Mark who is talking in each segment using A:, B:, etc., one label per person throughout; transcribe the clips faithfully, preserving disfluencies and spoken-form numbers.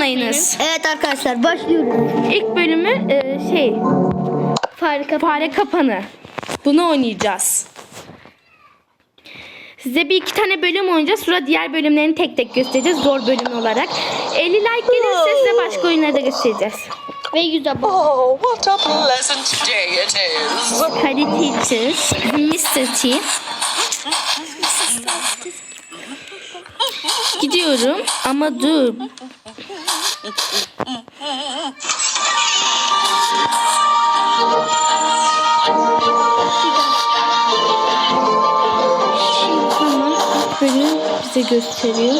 A: unutmayınız.
B: Evet arkadaşlar başlıyoruz.
A: İlk bölümü e, şey
C: Fare kapanı.
A: fare kapanı. Bunu oynayacağız. Size bir iki tane bölüm oynayacağız. Sonra diğer bölümlerini tek tek göstereceğiz. Zor bölüm olarak. elli like gelirse size başka oyunları da göstereceğiz.
C: Ve yüz abone.
D: Oh, what a pleasant day it is.
A: Hadi teachers. mister T. Gidiyorum ama dur. Tamam, ilk bölüm bize gösteriyor.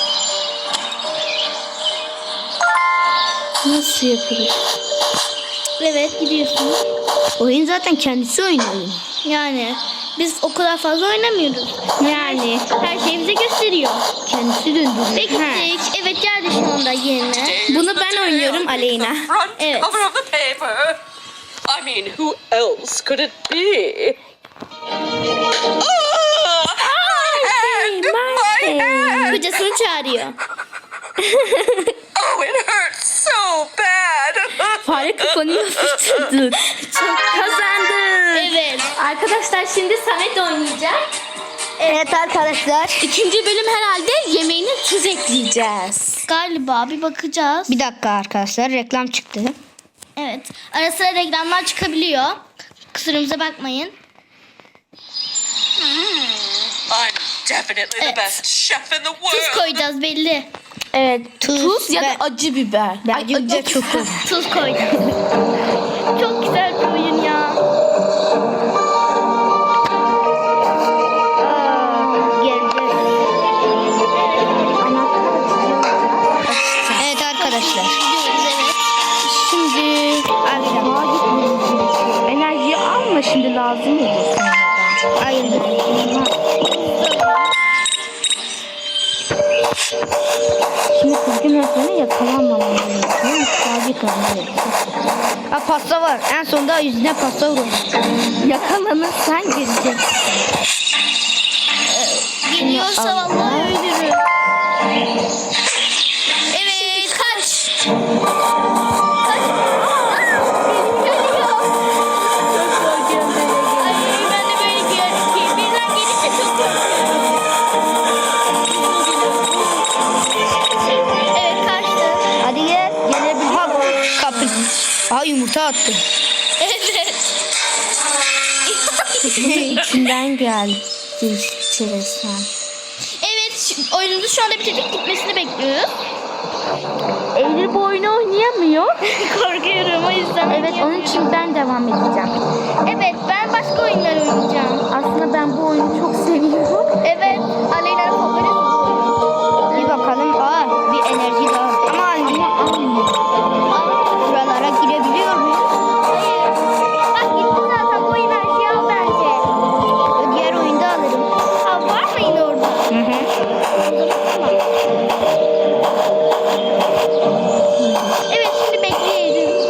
A: Nasıl yapılır?
C: Evet gidiyorsunuz.
B: Oyun zaten kendisi oynuyor.
C: Yani biz o kadar fazla oynamıyoruz.
A: Yani
C: Her şeyi bize gösteriyor.
B: Kendisi döndürüyor.
C: Ve gittik. Evet geldi şu anda yerine.
A: bunu ben oynuyorum Aleyna.
D: Front
C: Evet.
D: cover of the paper. I mean, who else could it be? Oh, my hand! My hand!
C: Kocasını çağırıyor.
D: Oh, it hurts so bad.
A: Fare kafanı yapıştırdı. Çok kazandım.
C: Evet.
A: Arkadaşlar şimdi Samet oynayacak.
B: Evet arkadaşlar.
A: İkinci bölüm herhalde yemeğine tuz ekleyeceğiz.
C: Galiba bir bakacağız.
B: Bir dakika arkadaşlar reklam çıktı.
C: Evet. Ara sıra reklamlar çıkabiliyor. Kusurumuza bakmayın.
D: I'm definitely the
C: Evet.
D: best chef in the
C: Tuz
D: world.
C: koyacağız belli.
A: Evet. Tuz,
B: Tuz
A: ya da
B: ve-
A: acı biber.
B: Bence
A: Ay,
B: biber
A: acı
B: çok olur.
C: Tuz koyacağız. Çok güzel bir oyun ya.
B: Evet arkadaşlar.
C: Gidiyoruz evet.
A: Şimdi sağa gitmeyeceğiz. Enerjiyi alma şimdi lazım olur sonradan.
B: Aynen.
A: Şimdi kızgın öğretmene yakalanmamam gerekiyor. Sağa gitmem
B: Ha pasta var. En sonunda yüzüne pasta vurur.
A: Yakalanırsan geleceksin.
C: Geliyorsa vallahi öldürür. Evet kaç. Kaç. Ay, ben de böyle gel- birden gelince çok korkuyorum. Evet kaçtı.
B: Hadi gel. Gelebilir. Ha kapı. Ha yumurta attı.
C: Evet.
A: İçinden geldi. Çeresen.
C: Evet şu- oyunumuzu şu anda bitirdik, gitmesini bekliyoruz.
A: Eylül bu oyunu oynayamıyor.
C: Korkuyorum o yüzden.
A: Evet onun için ben devam edeceğim.
C: Evet ben başka oyunlar oynayacağım.
A: Aslında ben bu oyunu çok seviyorum.
C: Evet Aleyna'nın favorisi bu oyun.
B: Bir bakalım. Aa bir enerji daha. Ama Alina almıyor. Buralara girebiliyor muyuz?
C: Hayır. Bak gitti zaten bu enerjiyi al bence.
B: Diğer oyunda alırım.
C: Ha, var mı yine orada?
B: Hı hı.
C: Evet şimdi bekleyelim.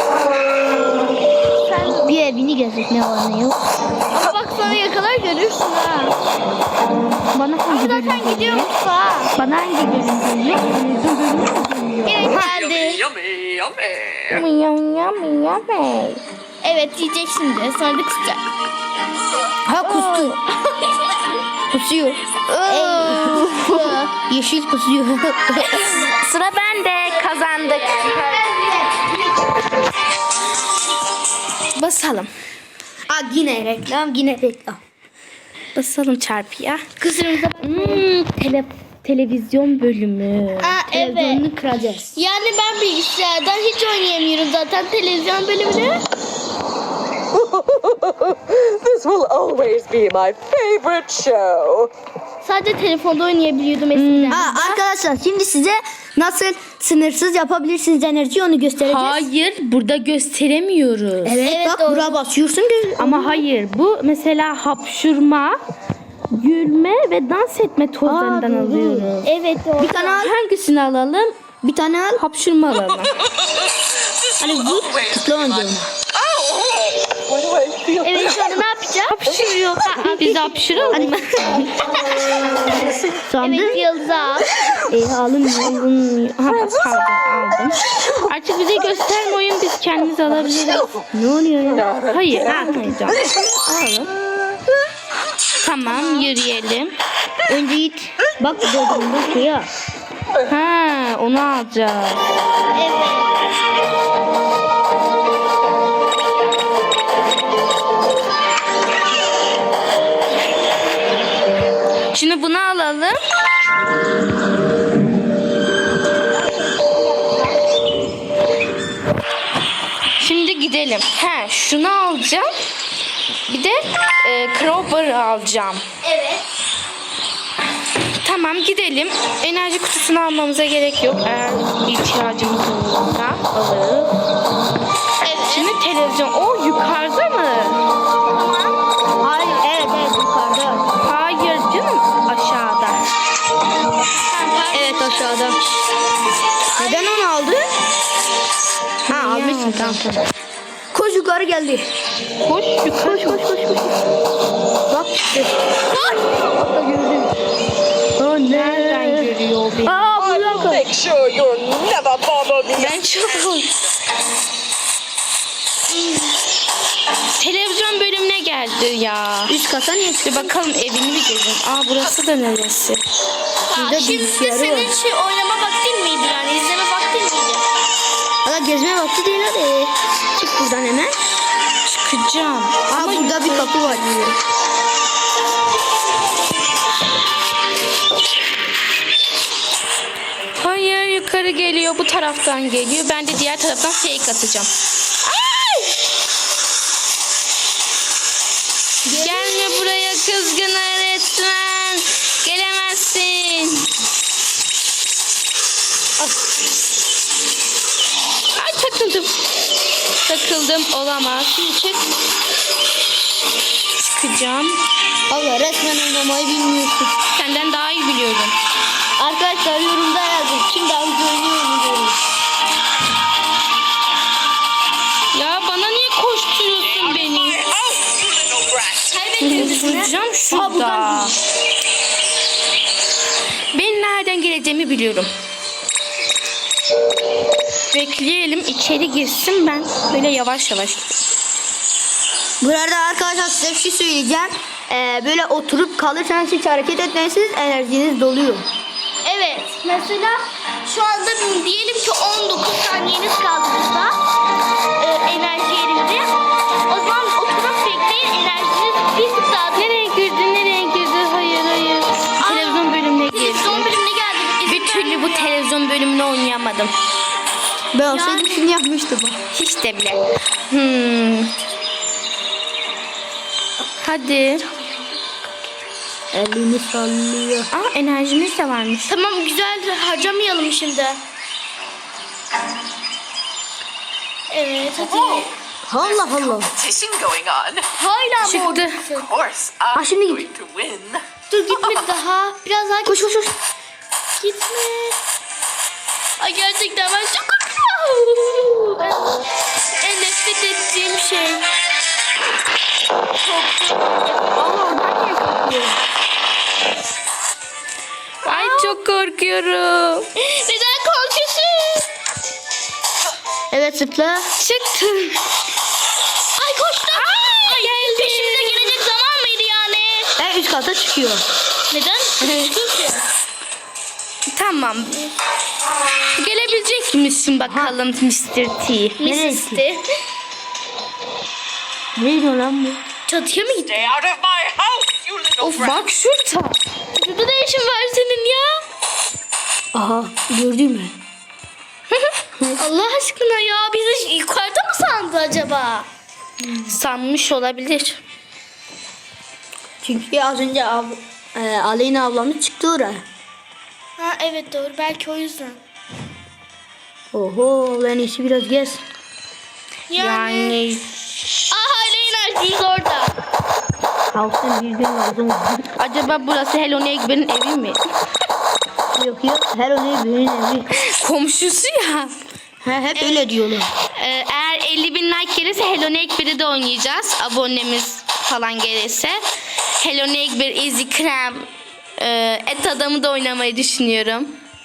C: Sen
B: Bir evini gezdik ne var ne yok.
C: ama bak sana yakalar görürsün ha.
A: Bana
C: Ama
A: hangi bölüm
C: zaten gidiyor
A: geliyor?
C: mutfağa.
A: Bana hangi bölüm geliyor? Televizyon bölümü mü geliyor?
C: Evet
D: Yummy,
C: geldi.
D: yummy, yummy.
A: Yum yum yum.
C: Evet yiyecek şimdi sonra da kusacak.
B: Ha kustu. Kusuyor. Yeşil kusuyor.
A: Sıra bende. Kazandık. Basalım.
B: Aa yine reklam yine reklam.
A: Basalım çarpıya.
C: Kusurumuza bak.
A: Hmm, tele, televizyon bölümü.
C: Aa evet.
B: Televizyonunu kıracağız.
C: Yani ben bilgisayardan hiç oynayamıyorum zaten televizyon bölümünü.
D: This will always be my favorite show.
C: Sadece telefonda oynayabiliyordum eskiden.
B: Ha arkadaşlar şimdi size nasıl sınırsız yapabilirsiniz enerji onu göstereceğiz.
A: Hayır, burada gösteremiyoruz.
B: Evet,
C: Evet,
B: bak
C: doğru.
B: buraya basıyorsun. gö-
A: Ama hayır, bu mesela hapşurma, gülme ve dans etme tozlarından
B: Aa, doğru.
A: alıyoruz.
C: Evet doğru.
B: Bir tane al.
A: Hangisini alalım?
B: Bir tane al.
A: Hapşurma alalım.
D: This
B: Hani
D: will
B: bu
D: always
B: tıkla
D: be my...
B: oynayalım.
D: Oh! Why do I feel
C: Evet şu anda ne yapacağız?
A: Hapşırıyor. Biz de hapşıralım mı?
B: Sandım.
C: Evet Yıldız al.
B: E alınmıyor.
A: Alınmıyor. Ha, pardon aldım. Artık bize gösterme oyun, biz kendimiz alabiliriz.
B: Ne oluyor ya?
A: Hayır almayacağım. Alalım. Tamam yürüyelim.
B: Önce git. Bak bu dördüncü suya.
A: Ha onu alacağız.
C: Evet.
A: Şimdi bunu alalım. Şimdi gidelim. He, şunu alacağım. Bir de e, crowbar'ı alacağım.
C: Evet.
A: Tamam gidelim. Enerji kutusunu almamıza gerek yok. Eğer ihtiyacımız olursa alırız.
C: Evet.
A: Şimdi televizyon. O yukarıda mı?
B: Hayır, evet evet yukarıda.
A: Hayır canım, aşağıda.
B: Evet aşağıda. Neden onu aldın? Ha almışsın tamam tamam. Koş yukarı geldi.
A: Koş yukarı.
B: Koş koş koş koş. Bak işte. Hatta gördüm. Oh,
A: Nereden görüyor beni?
B: Aa bu
D: I'll
B: dakika.
D: make sure you'll never bother me.
A: Ben çok Televizyon bölümüne geldi ya.
B: Üst kata niye
A: Bir
B: çıktın?
A: bakalım evini bir gezin. Aa burası da neresi?
B: Burada
C: Şimdi
B: bilgisayarı
C: senin
B: var.
C: şey oynama vaktin miydi yani? İzleme vaktin miydi?
B: Hala gezme vakti değil hadi. Çık buradan hemen.
A: Çıkacağım.
B: Aa burada bir kapı var.
A: Hayır yukarı geliyor, bu taraftan geliyor. Ben de diğer taraftan fake atacağım. Ay! Gelme buraya kızgın öğretmen. Gelemezsin. Ay takıldım. Takıldım, olamaz. Şimdi çık. Çıkacağım.
B: Allah resmen oynamayı bilmiyorsun.
A: Senden daha iyi biliyorum.
B: Arkadaşlar yorumda yazın. Kim daha güzel oynuyor mu diyorum.
A: Ya bana niye koşturuyorsun beni?
D: Oh, you little brat.
A: Duracağım şurada. Ben nereden geleceğimi biliyorum. Bekleyelim, içeri girsin, ben böyle yavaş yavaş.
B: Burada arkadaşlar size bir şey söyleyeceğim. Ee, böyle oturup kalırsanız hiç hareket etmezsiniz, enerjiniz doluyor.
C: Evet. Mesela şu anda diyelim ki on dokuz saniyeniz kaldı burada. Ee, enerji yerinde. O zaman oturup bekleyin, enerjiniz bir tık daha.
A: Nereye girdi, nereye girdi? Hayır, hayır. Televizyon bölümüne girdi.
C: Televizyon bölümüne geldik.
A: Bir türlü bu televizyon bölümünü oynayamadım.
B: Ben olsaydım şimdi yapmıştım.
A: Hiç de bile. Hmm. Hadi.
B: Elini sallıyor.
A: Aa enerjimiz de varmış.
C: Tamam, güzel, harcamayalım şimdi. Evet, hadi.
B: Allah Allah.
D: Competition going on.
C: Hala mı
A: Çıktı.
C: oradasın?
D: Of course,
B: Ha,
D: I'm
B: şimdi
D: going
B: git.
D: to win.
C: Dur gitme daha. Biraz daha
B: Koş koş koş.
C: gitme. Ay gerçekten ben çok korkuyorum. En, en nefret ettiğim şey.
B: Allah oradan niye kalkıyor?
A: Ay çok korkuyorum.
C: Neden korkuyorsun?
B: Evet zıpla.
A: Çıktım.
C: Ay koştum. Ay geldi. Peşimize gelecek zaman mıydı yani?
B: En üst kata çıkıyor.
C: Neden? Çünkü.
A: Tamam. Gelebilecek misin bakalım mister T?
B: Neresi?
C: Misis'ti.
B: Neydi lan bu?
C: Çatıya mı gitti?
D: Stay out of my house, you little
A: Of
D: brat.
A: bak şurada.
C: Burada ne işin var senin ya?
B: Aha gördün mü?
C: Allah aşkına ya, bizi yukarıda mı sandı acaba?
A: Sanmış olabilir.
B: Çünkü az önce ab e, Aleyna ablamız çıktı oraya.
C: Ha evet doğru, belki o yüzden.
B: Oho en iyisi biraz gez.
C: Yani.
A: Yani
C: Aa hala enerjimiz orada.
B: Kalksın bir gün lazım.
A: acaba burası Hello Neighbor'ın evi mi?
B: Yok yok her oraya birinin evi.
A: Komşusu ya.
B: He, hep öyle diyorlar.
A: Ee, eğer elli bin like gelirse Hello Neighbor'ı da oynayacağız. Abonemiz falan gelirse. Hello Neighbor, Easy Krem, e, Et Adamı da oynamayı düşünüyorum.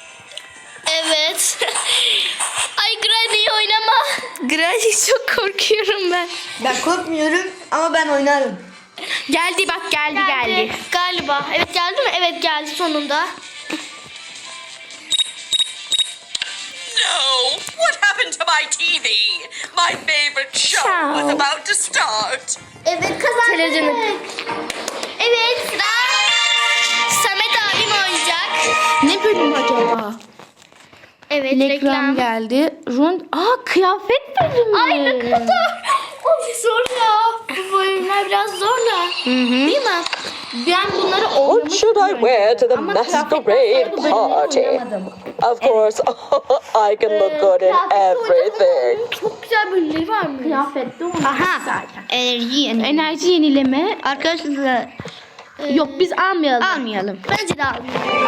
C: Evet. Ay Granny oynama.
A: Granny çok korkuyorum ben.
B: Ben korkmuyorum ama ben oynarım.
A: Geldi bak geldi geldi.
C: Galiba. Evet geldi mi? Evet geldi sonunda.
D: No! What happened to my T V? My favorite show was
A: Ciao.
D: about to start.
C: Evet kazandık.
A: Televizyonu.
C: Evet sıra Samet abim oynayacak.
A: Ne bölüm acaba?
C: Evet
A: Reklam,
C: reklam.
A: geldi. Rund. Aa kıyafet bölümü.
C: Ay ne kadar. Ay zor ya. Bu bölümler biraz zor da. Değil mi?
A: Ben bunları
D: What
A: oynamıştım.
D: should I wear to the
A: Ama
D: masquerade
A: kıyafetten sonra bu bölümleri
D: party?
A: oynamadım.
D: Of course, I can look good in everything.
C: Çok güzel bölümleri var mı?
A: Kıyafette oynadım
B: Aha.
A: zaten.
B: Enerji yeni.
A: Enerji yenileme.
B: Arkadaşlar
A: Yok biz almayalım.
B: almayalım.
C: Bence de almayayım.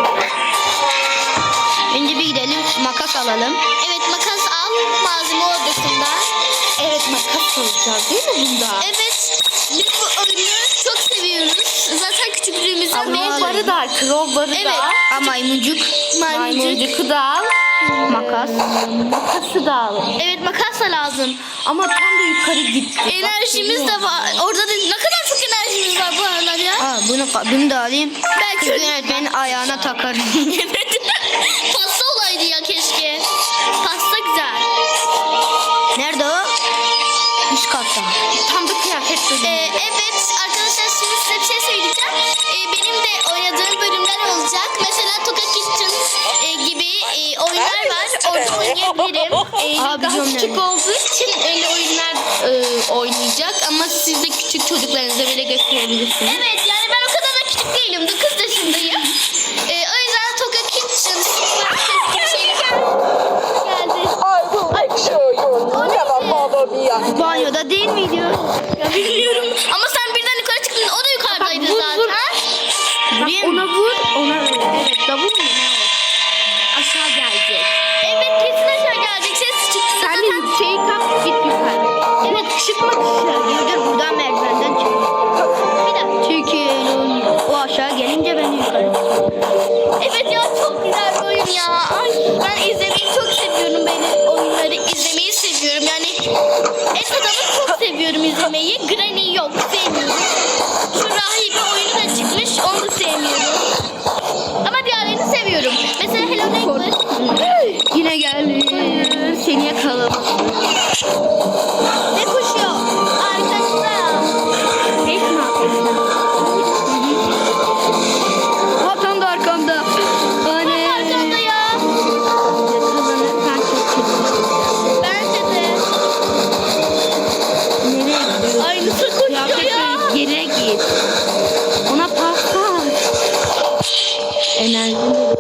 B: Önce bir gidelim makas alalım.
C: Evet makas al malzeme odasından.
A: Evet makas alacağız değil mi bunda?
C: Evet biz bu oyunu çok seviyoruz. Zaten küçüklüğümüzden beri.
A: Crowbar'ı da al. Crowbar'ı
C: Evet.
A: da al.
B: Ha maymuncuk.
A: Maymuncuku da al.
B: Makas.
A: Makası da al.
C: Evet makas da lazım.
A: Ama tam da yukarı gitti.
C: Enerjimiz de var. Orada da ne kadar çok enerjimiz var bu aralar ya.
B: Aa, bunu, bunu da alayım.
C: Belki
B: Kız yönetmenin ayağına takarım.
C: Evet. Pasta olaydı ya keşke. Pasta güzel.
B: Nerede o? Üst katta.
A: Tam da kıyafet bölümü.
C: Ee, evet arkadaşlar şimdi size bir şey söyleyeceğim. Ee, benim de oynadığım bölümler olacak. Mesela Toka Kitchen e, gibi e, oyunlar var. Orada oynayabilirim. Ee,
B: Aa,
C: daha
B: biliyorum
C: küçük
B: yani.
C: olduğu için öyle oyunlar e, oynayacak. Ama siz de küçük çocuklarınıza bile gösterebilirsiniz. Evet yani ben o kadar da küçük değilim. dokuz yaşındayım. Ee, o yüzden Toka Kitchen gibi şeyler geldi.
D: I will make sure you'll never bother me again.
B: Banyoda değil miydi?
C: Ya bilmiyorum. Ama sen birden yukarı çıktın. O da yukarıdaydı
A: Bak, vur,
C: zaten.
A: vur.
B: Vurayım
A: Ona
B: mı?
A: vur, ona vur. Evet, davul mu ne o? Aşağı gelecek.
C: Evet kesin aşağı gelecek. Ses çıktı.
A: Sen de
C: Zaten
A: yükseği kap, git yukarı. Evet, çıkma dışarı.
B: Dur dur buradan merdivenden çık.
C: bir dakika.
B: Çünkü öyle olmuyor. O aşağı gelince ben yukarı çıkıyorum.
C: Evet ya çok güzel bir oyun ya. Ay ben izlemeyi çok seviyorum. Ben oyunları izlemeyi seviyorum. Yani et adamı çok seviyorum izlemeyi. Granny yok sevmiyorum. Şu rahibe oyunu da çıkmış. Onu da sevmiyorum. Ama diğerlerini seviyorum. Mesela Hello Neighbor.
A: Yine geldi. Seni yakalamak.
C: Ne koşuyor? Arkadaşlar.
A: Pek mi yapıyorsun?
B: Ha tam da arkamda. Anne.
C: Arkamda ya.
A: Yakalanırsan çok kötü.
C: Bence de.
A: Nereye gidiyorsun?
C: Aynısı koşuyor
A: Kıyafet
C: ya.
A: böyle geriye git. Ona pas ver. Enerjini de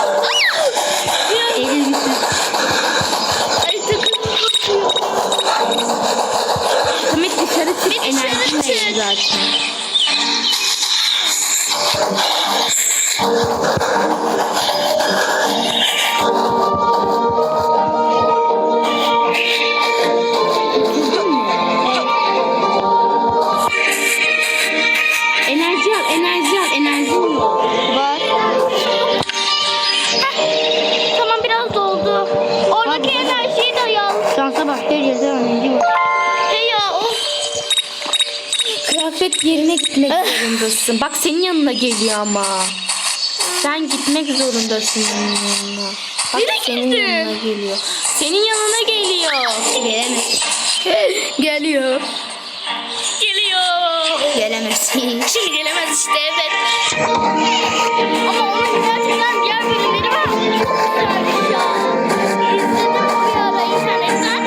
A: Elini
C: Ay takım koşuyor.
A: Samet dışarı çık.
C: Bir dışarı
A: Enerjin
C: çık.
A: de zaten. Enerji al, enerji al, enerjin yok.
B: Var.
C: Tamam biraz doldu. Oradaki enerjiyi de al.
B: Şansa bak her yerde enerji var.
C: Hey ya of.
A: Kıyafet yerine gitmek zorundasın. Bak senin yanına geliyor ama. Sen gitmek zorundasın onun yanına. Bak
C: Nereye
A: senin
C: gitti?
A: yanına geliyor. Senin yanına geliyor.
B: Gelemez.
A: Geliyor.
C: Geliyor.
B: Gelemez.
C: Şimdi gelemez işte evet. Ama onun gerçekten diğer bölümleri var. Çok güzelmiş ya. İzledim bir ara internetten.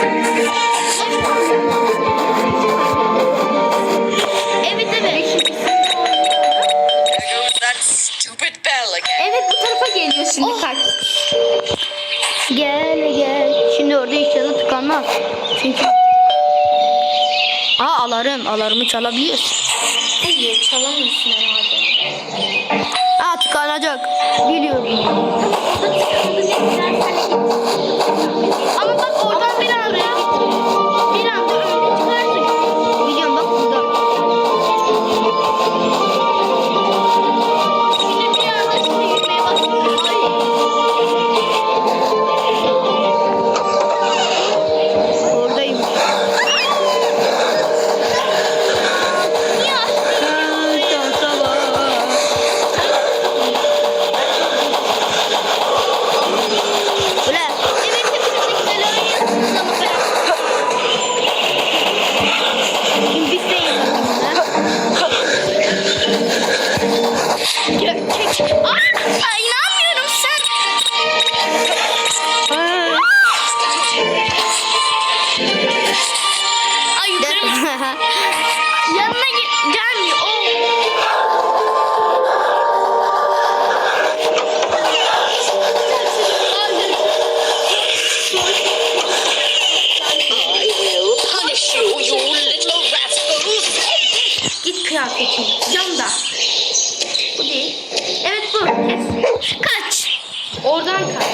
C: Evet evet.
D: There goes that stupid bell again.
A: Evet bu tarafa geliyor şimdi
C: Oh.
A: kaç.
B: Gel gel. Şimdi orada inşallah tıkanmaz. Çünkü Aa alarm. Alarmı çalabiliyorsun.
C: Hayır çalamıyorsun herhalde.
B: Aa tıkanacak. Biliyorum.
C: Orada tıkandı ne güzel sen git. Ama bak oradan bir anda bir anda önüne çıkarsın.
B: Biliyorum bak burada.
C: Şimdi bir anda şimdi yürümeye başlıyor. Ay.
A: oradan kay.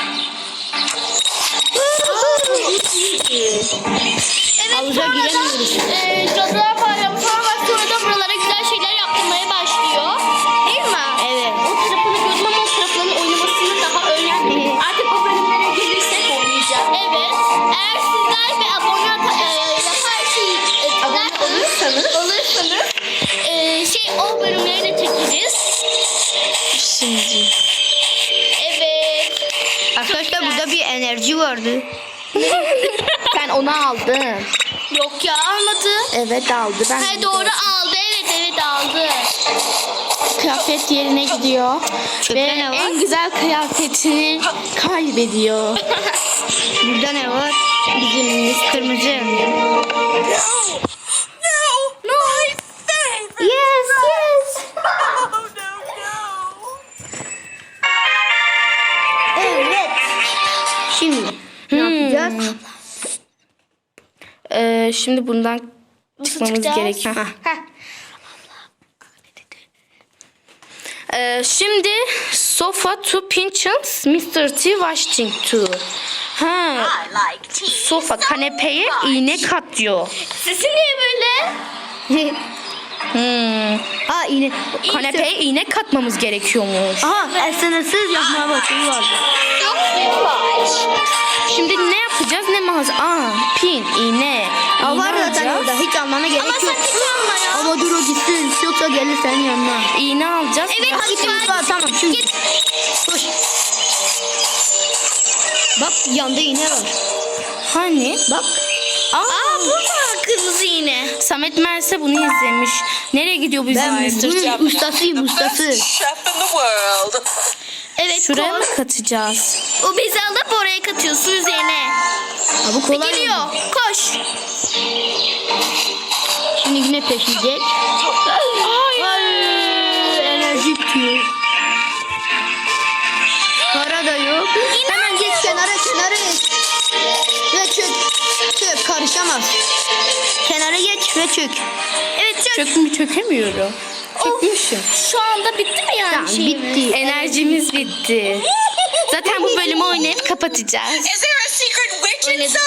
C: Evet
B: Havuza
C: sonra
B: giremiyoruz.
C: da e, Cadılar Bayramı falan var. Sonra da buralara güzel şeyler yaptırmaya başlıyor. Değil mi?
B: Evet.
A: O tarafını gördüm ama o tarafların oynamasını daha öğrenmedim. Artık o bölümlere gelirsek oynayacağım.
C: Evet. Eğer sizler bir abone ata- e, yaparsanız, e,
A: Abone olursanız.
C: olursanız e, şey o bölümleri de çekeriz.
A: Şimdi.
C: Evet.
B: Arkadaşlar burada bir enerji vardı.
A: Sen onu aldın.
C: Yok ya almadı.
A: Evet aldı. Ben
C: Ha doğru aldı. Evet evet aldı.
A: kıyafet yerine gidiyor.
B: Çöpte
A: Ve
B: ne var?
A: en güzel kıyafetini kaybediyor.
B: Burada ne var? Bizim kırmızı.
D: No! No! My favorite!
B: Yes, yes.
D: Oh, no, no!
B: Evet. Şimdi ne yapacağız?
A: Ee, şimdi bundan çıkmamız
C: çıkacağız?
A: gerekiyor.
B: Heh.
A: Ee, şimdi sofa to pinchins, mister T washing to. Ha,
D: I like tea.
A: sofa kanepeye iğne katıyor.
C: Sesi niye böyle?
A: Hmm.
B: Ha yine.
A: Kanepeye iğne katmamız gerekiyormuş.
B: Aha sınırsız yapma bakımı vardı.
C: Çok yavaş.
A: Şimdi ne yapacağız? Ne mağaza? Aa, pin, iğne.
B: Aa,
A: İğne
B: var zaten
A: alacağız.
B: orada. Hiç almana gerek
C: Ama
B: yok.
C: sakın alma ya.
B: Ama dur o gitsin. Yoksa gelir senin yanına.
A: İğne alacağız.
C: Evet,
A: Biraz-
B: Ha gitsin mutfağa tamam şimdi.
C: Git.
B: Koş. Bak yanda iğne var.
A: Hani?
B: Bak.
A: Aa,
C: Aa bu mu kırmızı iğne?
A: Samet Merse bunu izlemiş. Nereye gidiyor bizim
B: Ben
A: mister T?
B: bunun ustasıyım ustası.
D: Chef in the world.
C: Evet
A: Şuraya
C: koy.
A: mı katacağız?
C: O bezi alıp oraya katıyorsun üzerine.
B: Ha bu kolay.
C: Geliyor.
B: oldu.
C: Koş.
B: Şimdi yine peşleyecek. Hayır. Enerji bitiyor. Para da yok. Hemen geç kenara kenara geç. Ve çök. Çök karışamaz. Kenara geç ve çök.
C: Evet çök.
A: Çök mü çökemiyorum. Çökmüşüm.
C: Şu anda bitti mi yani
B: Tamam
C: şeyimiz?
B: bitti.
A: Enerjimiz bitti. Zaten bu bölümü oynayıp kapatacağız.
D: Is there a secret witch inside?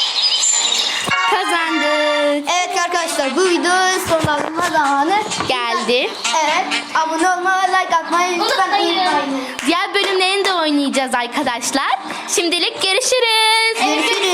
A: Kazandık.
B: Evet arkadaşlar bu video sonlanma zamanı.
A: Geldi.
B: Evet abone olmayı like atmayı lütfen
C: Unutmayın.
B: unutmayın.
A: Diğer bölümlerini de oynayacağız arkadaşlar. Şimdilik görüşürüz.
B: Görüşürüz.